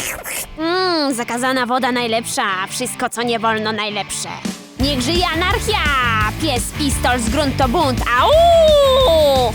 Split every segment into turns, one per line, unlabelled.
Zakazana woda najlepsza, wszystko co nie wolno najlepsze. Niech żyje anarchia! Pies, pistol, z grunt to bunt, au!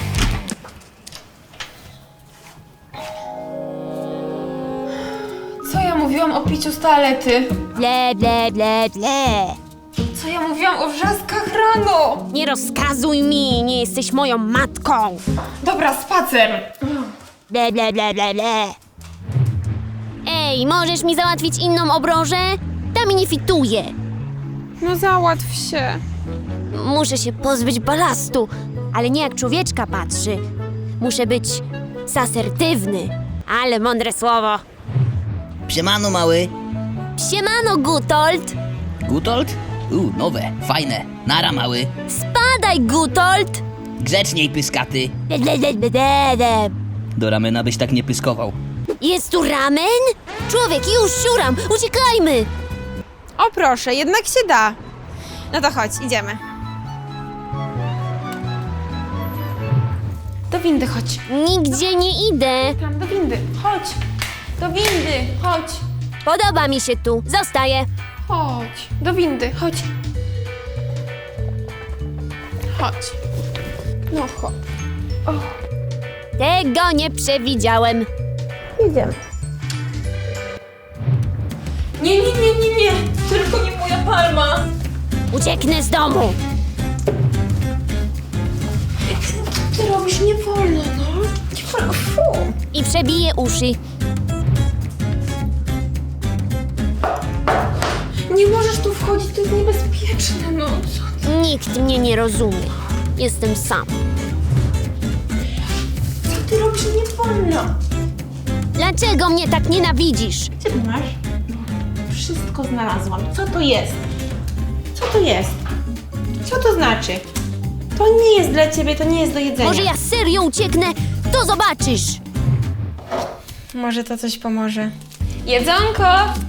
Co ja mówiłam o piciu z toalety?
Ble, ble, ble, ble.
Co ja mówiłam o wrzaskach rano?
Nie rozkazuj mi, nie jesteś moją matką.
Dobra, spacer.
Ble, ble, ble, ble, ble. Ej, możesz mi załatwić inną obrożę? Ta mi nie fituje.
No załatw się.
Muszę się pozbyć balastu, ale nie jak człowieczka patrzy. Muszę być asertywny. Ale mądre słowo.
Siemano, mały.
Siemano, Gutold.
Gutold? Nowe, fajne. Nara, mały.
Spadaj, Gutold.
Grzeczniej, pyskaty.
Ble, ble, ble, ble, ble, ble.
Do ramena byś tak nie pyskował.
Jest tu ramen? Człowiek, już siuram, uciekajmy.
O proszę, jednak się da. No to chodź, idziemy. Do windy chodź.
Nigdzie nie idę.
Tam, do windy. Chodź. Do windy, chodź.
Podoba mi się tu, zostaję.
Chodź. Do windy, chodź. Chodź. No chodź.
Tego nie przewidziałem.
Idziemy. Nie, nie, nie, nie, nie. Tylko nie moja palma.
Ucieknę z domu.
Ty robisz, nie wolno, no. Nie wolno, fu.
I przebiję uszy.
Nie możesz tu wchodzić, to jest niebezpieczne, no. Co ty?
Nikt mnie nie rozumie. Jestem sam.
Co ty robisz, nie wolno.
Dlaczego mnie tak nienawidzisz?
Gdzie ty masz? Wszystko znalazłam. Co to jest? Co to jest? Co to znaczy? To nie jest dla ciebie, to nie jest do jedzenia.
Może ja serio ucieknę? To zobaczysz.
Może to coś pomoże. Jedzonko!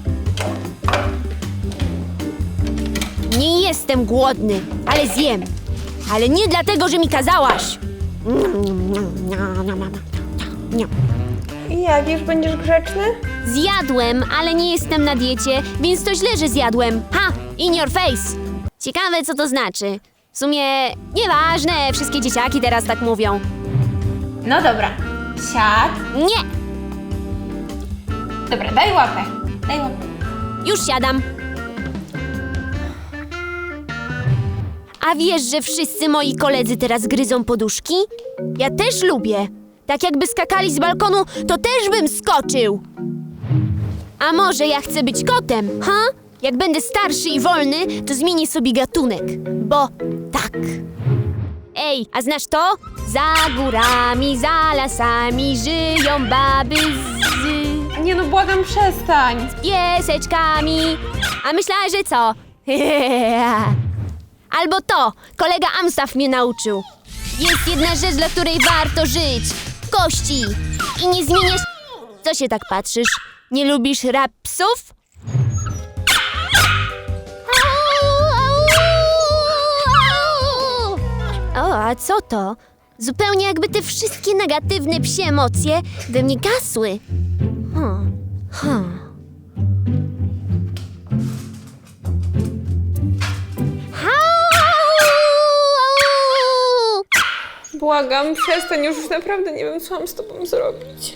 Nie jestem głodny, ale zjem. Ale nie dlatego, że mi kazałaś.
I jak, już będziesz grzeczny?
Zjadłem, ale nie jestem na diecie, więc to źle, że zjadłem. Ha! In your face! Ciekawe, co to znaczy. W sumie nieważne, wszystkie dzieciaki teraz tak mówią.
No dobra. Siad.
Nie!
Dobra, daj łapę. Daj łapę.
Już siadam. A wiesz, że wszyscy moi koledzy teraz gryzą poduszki? Ja też lubię. Tak jakby skakali z balkonu, to też bym skoczył. A może ja chcę być kotem, ha? Jak będę starszy i wolny, to zmienię sobie gatunek. Bo tak. Ej, a znasz to? Za górami, za lasami żyją baby z
Nie no, błagam, przestań.
pieseczkami. A myślała, że co? Albo to, kolega Amstaff mnie nauczył. Jest jedna rzecz, dla której warto żyć. Kości. I nie zmieniasz... Co się tak patrzysz? Nie lubisz rap psów? O, a co to? Zupełnie jakby te wszystkie negatywne psie emocje we mnie gasły.
Błagam, przestań, już naprawdę nie wiem, co mam z tobą zrobić.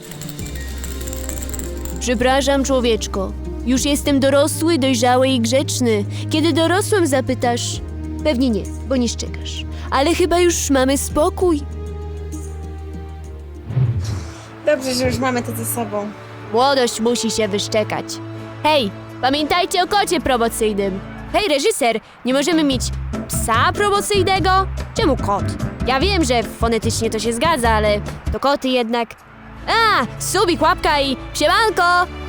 Przepraszam, człowieczko. Już jestem dorosły, dojrzały i grzeczny. Kiedy dorosłem, zapytasz? Pewnie nie, bo nie szczekasz. Ale chyba już mamy spokój.
Dobrze, że już mamy to ze sobą.
Młodość musi się wyszczekać. Hej, pamiętajcie o kocie promocyjnym. Hej, reżyser, nie możemy mieć psa promocyjnego? Czemu kot? Ja wiem, że fonetycznie to się zgadza, ale to koty jednak. A, subik, łapka i siemanko!